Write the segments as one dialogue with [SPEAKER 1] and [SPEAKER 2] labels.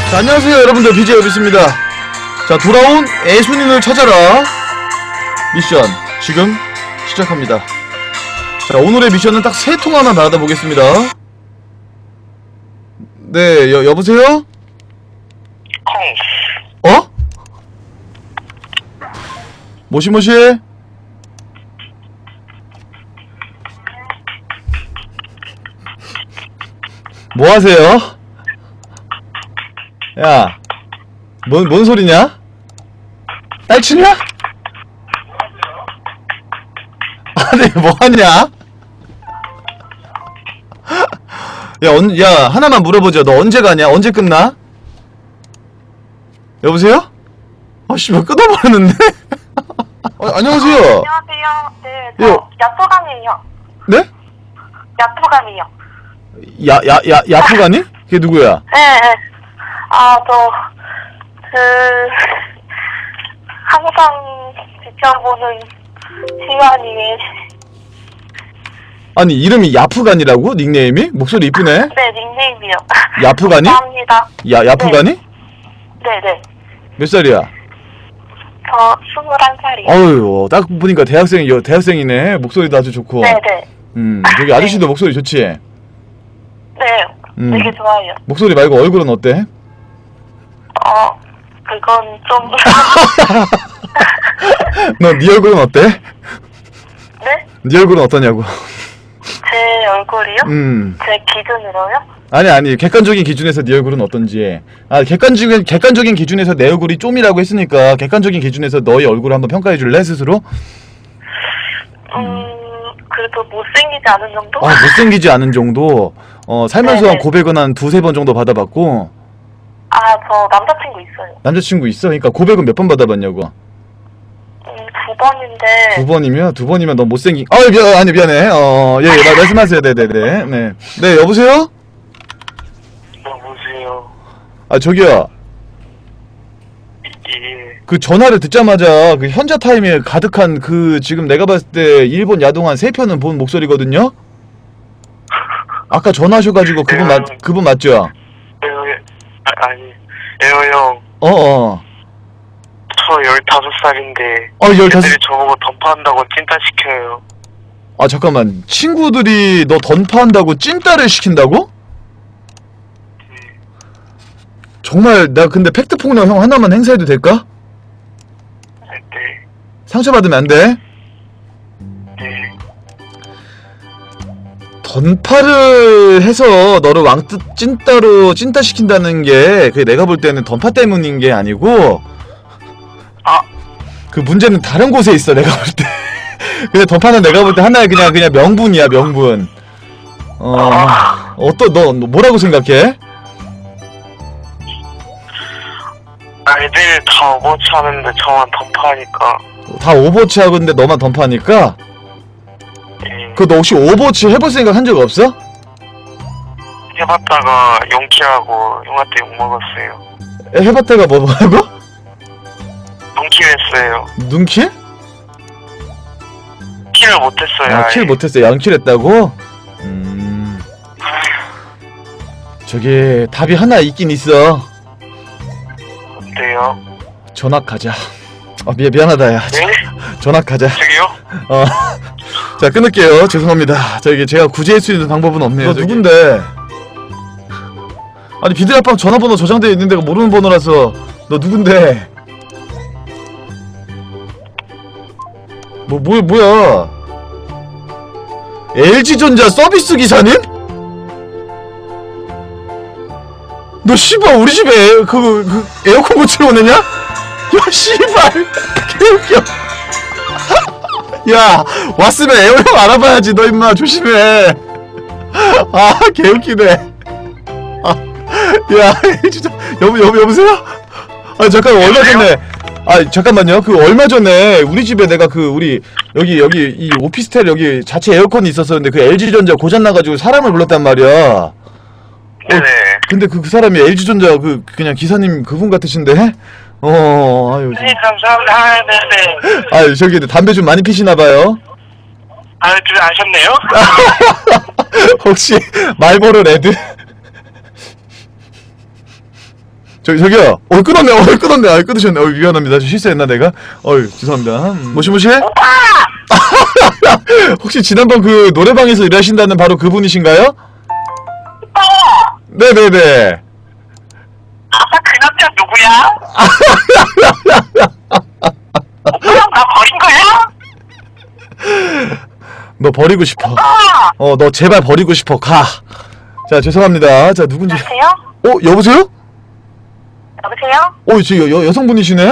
[SPEAKER 1] 자, 안녕하세요 여러분들, BJ 여비스입니다. 자, 돌아온 애순이를 찾아라 미션 지금 시작합니다. 자, 오늘의 미션은 딱 3통화만 받아보겠습니다. 네, 여보세요? 어? 모시모시? 뭐하세요? 야, 뭔 소리냐? 딸치냐? 아니, 뭐하냐? 야, 하나만 물어보자. 너 언제 가냐? 언제 끝나? 여보세요? 아씨, 왜 끊어버렸는데? 안녕하세요.
[SPEAKER 2] 안녕하세요. 네, 저 야토감이에요.
[SPEAKER 1] 네?
[SPEAKER 2] 야토감이요.
[SPEAKER 1] 야프가니? 그게 누구야?
[SPEAKER 2] 네, 네. 항상 지켜보는 시간이에.
[SPEAKER 1] 아니, 이름이 야프가니라고? 닉네임이? 목소리 이쁘네?
[SPEAKER 2] 네, 닉네임이요.
[SPEAKER 1] 야프가니?
[SPEAKER 2] 감사합니다.
[SPEAKER 1] 야프가니?
[SPEAKER 2] 네, 네.
[SPEAKER 1] 몇 살이야?
[SPEAKER 2] 저 21살이요.
[SPEAKER 1] 어휴, 딱 보니까 대학생이네. 목소리도 아주 좋고.
[SPEAKER 2] 네, 네.
[SPEAKER 1] 저기 아저씨도 목소리 좋지?
[SPEAKER 2] 네, 되게 좋아요.
[SPEAKER 1] 목소리 말고 얼굴은 어때?
[SPEAKER 2] 그건 좀.
[SPEAKER 1] 너 네 얼굴은 어때?
[SPEAKER 2] 네?
[SPEAKER 1] 네 얼굴은 어떠냐고.
[SPEAKER 2] 제 얼굴이요? 제 기준으로요?
[SPEAKER 1] 아니, 객관적인 기준에서 네 얼굴은 어떤지. 객관적인 기준에서 내 얼굴이 좀이라고 했으니까 객관적인 기준에서 너의 얼굴을 한번 평가해 줄래, 스스로?
[SPEAKER 2] 그래도 못생기지 않은 정도?
[SPEAKER 1] 못생기지 않은 정도. 살면서
[SPEAKER 2] 네네.
[SPEAKER 1] 한 고백은 한 2-3번 정도 받아봤고.
[SPEAKER 2] 저 남자친구 있어요.
[SPEAKER 1] 남자친구 있어? 그러니까 고백은 몇 번 받아봤냐고.
[SPEAKER 2] 2번인데.
[SPEAKER 1] 2번이면? 2번이면 너 못생긴. 미안해. 예, 말씀하세요. 네네네. 네, 여보세요?
[SPEAKER 3] 여보세요.
[SPEAKER 1] 저기요.
[SPEAKER 3] 예.
[SPEAKER 1] 그 전화를 듣자마자 그 현자 타임에 가득한 그 지금 내가 봤을 때 일본 야동한 3편은 본 목소리거든요? 아까 전화하셔가지고 그분 맞죠?
[SPEAKER 3] 아니, 에어 형. 저 15살인데.
[SPEAKER 1] 15.
[SPEAKER 3] 애들이 저보고 던파한다고 찐따시켜요.
[SPEAKER 1] 잠깐만. 친구들이 너 던파한다고 찐따를 시킨다고? 정말, 나 근데 팩트폭력 형 하나만 행사해도 될까?
[SPEAKER 3] 네.
[SPEAKER 1] 상처받으면 안 돼?
[SPEAKER 3] 네.
[SPEAKER 1] 던파를 해서 너를 찐따로 찐따 시킨다는 게 그게 내가 볼 때는 던파 때문인 게 아니고 그 문제는 다른 곳에 있어, 내가 볼 때. 근데 던파는 내가 볼 때 하나의 그냥 명분이야, 명분. 너 뭐라고 생각해?
[SPEAKER 3] 애들 다 오버워치 하는데 저만 던파하니까.
[SPEAKER 1] 다 오버워치 하고 있는데 너만 던파하니까?
[SPEAKER 3] 네.
[SPEAKER 1] 너 혹시 오버워치 해볼 생각 한 적 없어?
[SPEAKER 3] 해봤다가 용키하고 형한테 욕먹었어요.
[SPEAKER 1] 해봤다가 뭐라고?
[SPEAKER 3] 용키했어요.
[SPEAKER 1] 눈킬?
[SPEAKER 3] 킬을 못했어요.
[SPEAKER 1] 킬 못했어. 양킬 했다고? 저기 답이 하나 있긴 있어.
[SPEAKER 3] 어때요?
[SPEAKER 1] 전학 가자. 미안하다, 야.
[SPEAKER 3] 네?
[SPEAKER 1] 전학 가자.
[SPEAKER 3] 저기요?
[SPEAKER 1] 자, 끊을게요. 죄송합니다. 제가 구제할 수 있는 방법은 없네요. 너 누군데? 아니, 비드라빵 전화번호 저장되어 있는 데가 모르는 번호라서. 너 누군데? 뭐야? LG전자 서비스 기사님? 너 씨발 우리 집에 에어컨 고치러 오느냐? 야, 씨발 개웃겨. 야, 왔으면 에어컨 알아봐야지. 너 임마 조심해. 개웃기네. 야, 진짜 여보세요? 잠깐, 얼마 전에 잠깐만요. 얼마 전에 우리 집에 내가 우리 여기 이 오피스텔 여기 자체 에어컨이 있었었는데 그 LG전자 고장나가지고 사람을 불렀단 말이야.
[SPEAKER 3] 네네.
[SPEAKER 1] 근데 그 사람이 LG전자 그냥 기사님 그분 같으신데? 아유.
[SPEAKER 3] 네, 감사합니다. 네네.
[SPEAKER 1] 저기 담배 좀 많이 피시나봐요.
[SPEAKER 3] 아셨네요?
[SPEAKER 1] 혹시 말보로 레드? 저기요. 끊었네. 끊었네. 끊으셨네. 미안합니다. 실수했나 내가? 죄송합니다. 모시모시?
[SPEAKER 2] 오빠!
[SPEAKER 1] 혹시 지난번 그 노래방에서 일하신다는 바로 그분이신가요?
[SPEAKER 2] 오빠!
[SPEAKER 1] 네네네.
[SPEAKER 3] 아까 그 남자 누구야? 오빠랑 나 버린 거야?
[SPEAKER 1] 너 버리고 싶어. 너 제발 버리고 싶어. 가. 자, 죄송합니다. 자, 누군지.
[SPEAKER 2] 여보세요?
[SPEAKER 1] 여보세요?
[SPEAKER 2] 여보세요?
[SPEAKER 1] 지금 여성분이시네?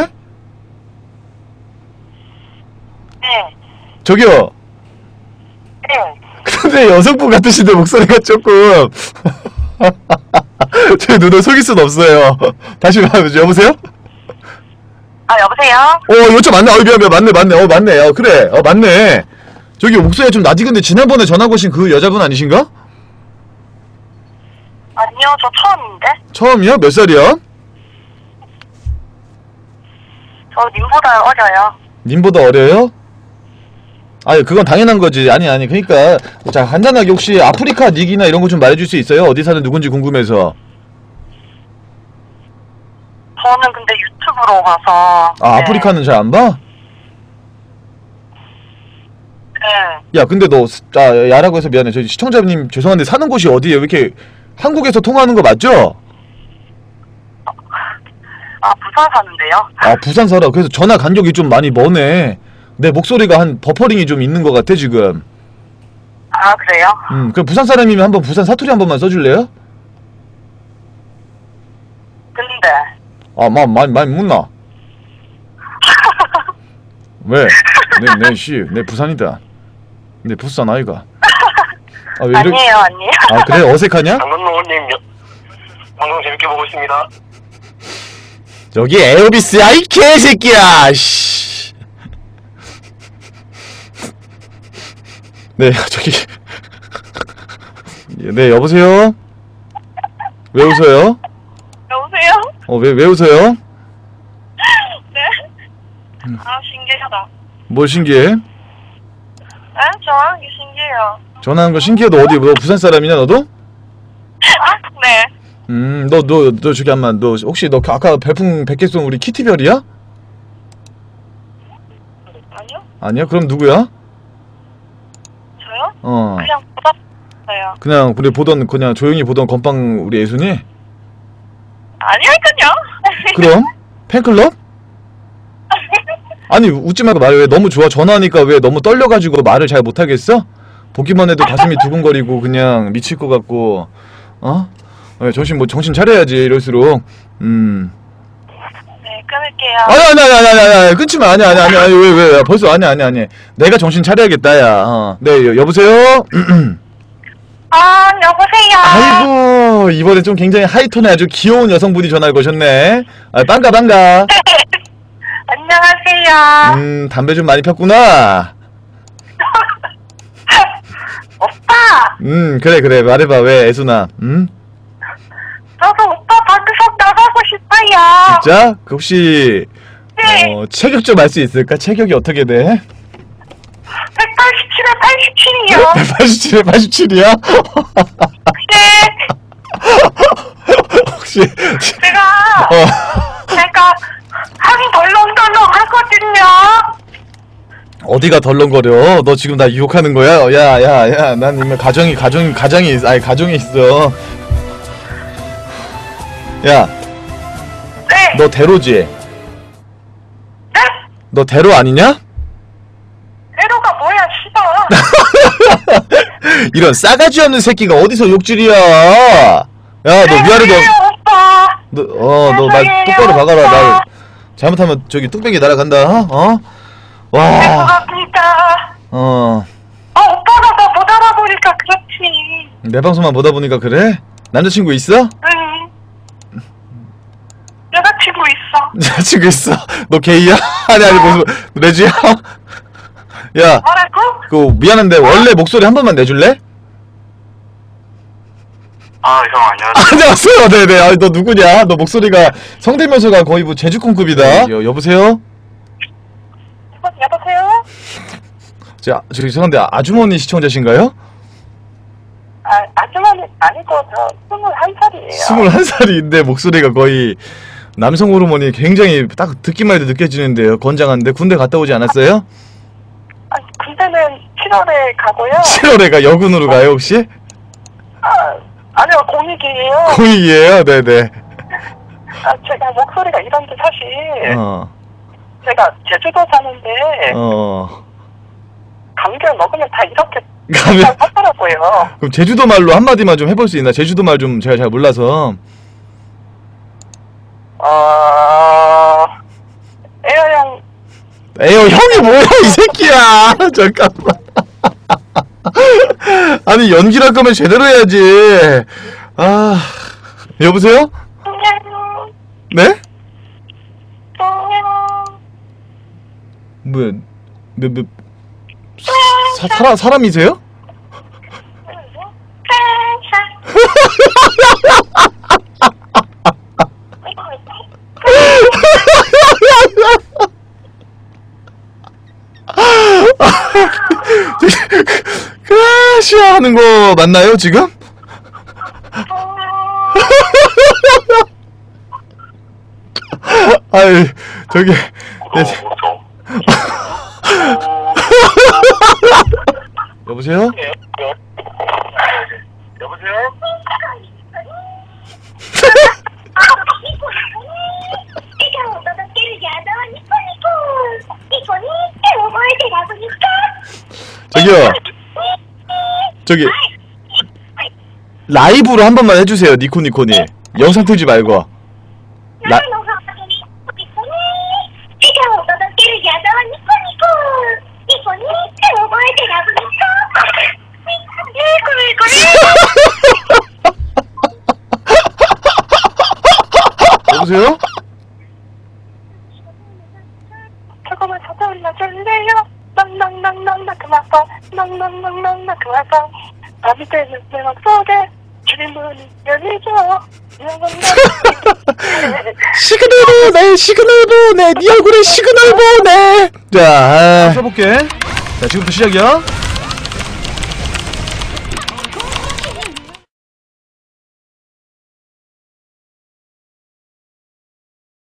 [SPEAKER 2] 네.
[SPEAKER 1] 저기요.
[SPEAKER 2] 네.
[SPEAKER 1] 근데 여성분 같으신데 목소리가 조금. 제 눈을 속일 순 없어요. 다시 말해보죠. 여보세요?
[SPEAKER 2] 여보세요?
[SPEAKER 1] 요즘 맞네. 미안. 맞네. 맞네. 그래. 맞네. 저기 목소리가 좀 나지근데 지난번에 전화 거신 그 여자분 아니신가?
[SPEAKER 2] 아니요, 저 처음인데?
[SPEAKER 1] 처음이야? 몇 살이야?
[SPEAKER 2] 저 님보다 어려요.
[SPEAKER 1] 님보다 어려요? 아니, 그건 당연한 거지. 아니. 그니까. 자, 간단하게 혹시 아프리카 닉이나 이런 거 좀 말해줄 수 있어요? 어디 사는 누군지 궁금해서.
[SPEAKER 2] 저는 근데 유튜브로 봐서. 네.
[SPEAKER 1] 아프리카는 잘 안 봐?
[SPEAKER 2] 네.
[SPEAKER 1] 야, 근데 야라고 해서 미안해. 저희 시청자님 죄송한데 사는 곳이 어디예요? 왜 이렇게 한국에서 통화하는 거 맞죠?
[SPEAKER 2] 부산 사는데요?
[SPEAKER 1] 부산 살아. 그래서 전화 간격이 좀 많이 머네. 내 목소리가 한 버퍼링이 좀 있는 것 같아, 지금.
[SPEAKER 2] 그래요?
[SPEAKER 1] 그럼 부산 사람이면 한번 부산 사투리 한 번만 써줄래요?
[SPEAKER 2] 근데.
[SPEAKER 1] 많이 묻나? 왜? 내 부산이다. 내 부산 아이가. 왜
[SPEAKER 2] 아니에요.
[SPEAKER 1] 그래? 어색하냐?
[SPEAKER 3] 장건노님 방송 재밌게 보고 있습니다.
[SPEAKER 1] 저기 에어비스야, 이 개새끼야! 씨. 네, 저기. 네, 여보세요? 왜 웃어요?
[SPEAKER 2] 여보세요?
[SPEAKER 1] 왜 웃어요?
[SPEAKER 2] 네? 신기하다.
[SPEAKER 1] 뭘 신기해?
[SPEAKER 2] 네? 전화하는 게 신기해요.
[SPEAKER 1] 전화하는 거 신기해도 어디, 너 부산 사람이냐, 너도?
[SPEAKER 2] 네.
[SPEAKER 1] 너 저기 한번, 너 혹시 너 아까 별풍 100개 쏜 우리 키티별이야?
[SPEAKER 2] 아니요?
[SPEAKER 1] 아니야? 그럼 누구야?
[SPEAKER 2] 저요? 그냥 받았어요.
[SPEAKER 1] 그냥 우리 그냥 조용히 보던 건빵 우리 예순이?
[SPEAKER 2] 아니라니까요.
[SPEAKER 1] 그럼? 팬클럽? 아니, 웃지 말고 말해. 왜 너무 좋아? 전화하니까 왜 너무 떨려가지고 말을 잘 못하겠어? 보기만 해도 가슴이 두근거리고 그냥 미칠 것 같고. 정신 차려야지, 이럴수록.
[SPEAKER 2] 네, 끊을게요.
[SPEAKER 1] 아니, 끊지 마. 아니, 왜, 벌써, 아니. 내가 정신 차려야겠다, 야. 네, 여보세요?
[SPEAKER 2] 여보세요?
[SPEAKER 1] 아이고, 이번에 좀 굉장히 하이톤의 아주 귀여운 여성분이 전화를 거셨네. 반가.
[SPEAKER 2] 안녕하세요.
[SPEAKER 1] 담배 좀 많이 폈구나.
[SPEAKER 2] 오빠!
[SPEAKER 1] 그래, 말해봐, 왜, 애순아,
[SPEAKER 2] 저도 오빠 방송 나가고 싶어요.
[SPEAKER 1] 진짜? 혹시,
[SPEAKER 2] 네.
[SPEAKER 1] 체격 좀 알 수 있을까? 체격이 어떻게 돼?
[SPEAKER 2] 187에 87이요.
[SPEAKER 1] 187에 87이야?
[SPEAKER 2] 네.
[SPEAKER 1] 혹시,
[SPEAKER 2] 제가 한이 덜렁덜렁 하거든요.
[SPEAKER 1] 어디가 덜렁거려? 너 지금 나 유혹하는 거야? 야, 난 이미 가정이 있어. 야,
[SPEAKER 2] 네.
[SPEAKER 1] 너 대로지?
[SPEAKER 2] 네?
[SPEAKER 1] 너 대로 아니냐?
[SPEAKER 2] 에로가 뭐야, 씨발.
[SPEAKER 1] 이런 싸가지 없는 새끼가 어디서 욕질이야? 야, 너 위아래도
[SPEAKER 2] 오빠.
[SPEAKER 1] 너 말 똑바로 박아라. 나 잘못하면 저기 뚝배기 날아간다. 와.
[SPEAKER 2] 죄송합니다. 오빠가 나 못 알아보니까 그렇지.
[SPEAKER 1] 내 방송만 보다 보니까 그래? 남자친구 있어?
[SPEAKER 2] 응. 여자친구 있어.
[SPEAKER 1] 여자친구 있어? 너 게이야? 아니 무슨 레즈야? 야,
[SPEAKER 2] 뭐라고?
[SPEAKER 1] 미안한데 원래 목소리 한 번만 내줄래?
[SPEAKER 3] 형 안녕하세요.
[SPEAKER 1] 안녕하세요. 네네. 너 누구냐? 너 목소리가 성대면서가 거의 뭐 제주콩급이다. 여보세요?
[SPEAKER 2] 여보세요?
[SPEAKER 1] 저기 죄송한데 아주머니 시청자신가요?
[SPEAKER 2] 아주머니 아니고 저 21살이에요.
[SPEAKER 1] 21살인데 목소리가 거의 남성 호르몬이 굉장히 딱 듣기만 해도 느껴지는데요. 건장한데 군대 갔다 오지 않았어요?
[SPEAKER 2] 아니, 군대는 7월에 가고요.
[SPEAKER 1] 7월에 가 여군으로 가요 혹시?
[SPEAKER 2] 아니요, 공익이에요.
[SPEAKER 1] 공익이에요? 네네.
[SPEAKER 2] 제가 목소리가 이런데 사실 제가 제주도 사는데 감기를 먹으면 다 이렇게 하더라고요.
[SPEAKER 1] 그럼 제주도 말로 한마디만 좀 해볼 수 있나? 제주도 말 좀 제가 잘 몰라서. 에어 형이 뭐야 이 새끼야. 잠깐만. 아니 연기를 할 거면 제대로 해야지. 아 여보세요? 네? 뭐야? 사람이세요? 크라시아 하는 거 맞나요 지금? 아유 저기 여보세요?
[SPEAKER 3] 여보세요?
[SPEAKER 1] 저기요. 저기 라이브로 한 번만 해주세요. 니코니코니 영상 틀지 말고. 여보세요?
[SPEAKER 2] 조금만 찾아올려 줄래요? 낭낭낭낭낭 그만서 낭낭낭낭낭 그만서 밤이 되는 내 맘속에 주문이 열리죠.
[SPEAKER 1] 시그널 보내 시그널 보내 네 얼굴에 시그널 보내. 자 써볼게. 자 지금부터 시작이야.